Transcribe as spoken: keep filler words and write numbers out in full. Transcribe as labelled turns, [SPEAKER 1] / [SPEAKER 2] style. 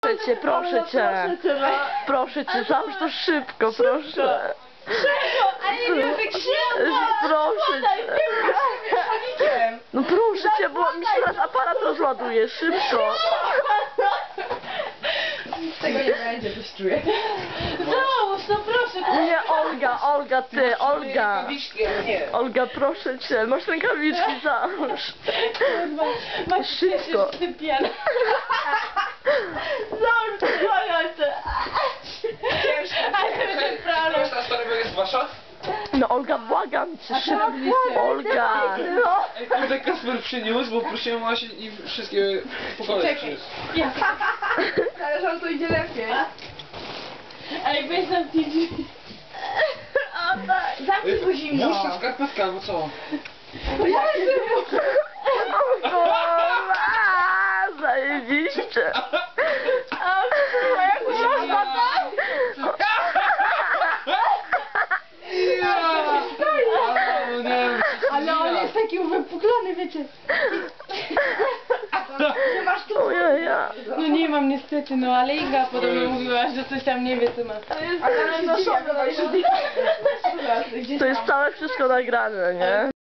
[SPEAKER 1] proszę cię, proszę cię. Proszę cię, załóż to szybko, proszę.
[SPEAKER 2] Szybko, ale nie wiem jak szybko.
[SPEAKER 1] Proszę cię. No proszę cię, bo mi się teraz aparat rozładuje, szybko.
[SPEAKER 2] Tego nie będzie, coś czuję. Załóż, no proszę.
[SPEAKER 1] Nie, Olga, Olga, ty, Olga. Olga, proszę cię, masz rękawiczki, załóż. Szybko.
[SPEAKER 2] Załóż, błagam cię.
[SPEAKER 3] Wiesz, ta sprawa jest wasza?
[SPEAKER 1] No Olga, błagam cię, szybko. Olga.
[SPEAKER 3] Ej, kurde, Kasper przyniósł, bo prosiłem właśnie i wszystkie po kolei przyniósł.
[SPEAKER 2] Ale że on to idzie lepiej. Ej, weź nam ci drzwi. O tak. Zamknij go zimno.
[SPEAKER 3] Włóż ta skarpetka, albo co?
[SPEAKER 1] O kurwa, zajebiście.
[SPEAKER 2] A jak można tak? Ale on jest taki uwypuklony, wiecie. Nie masz tu.
[SPEAKER 1] Ojeja.
[SPEAKER 4] No nie mam niestety, no ale Inga podobno mówiła, że coś tam nie wie co ma.
[SPEAKER 2] A tam jest noszone.
[SPEAKER 1] To jest całe wszystko nagrane, nie?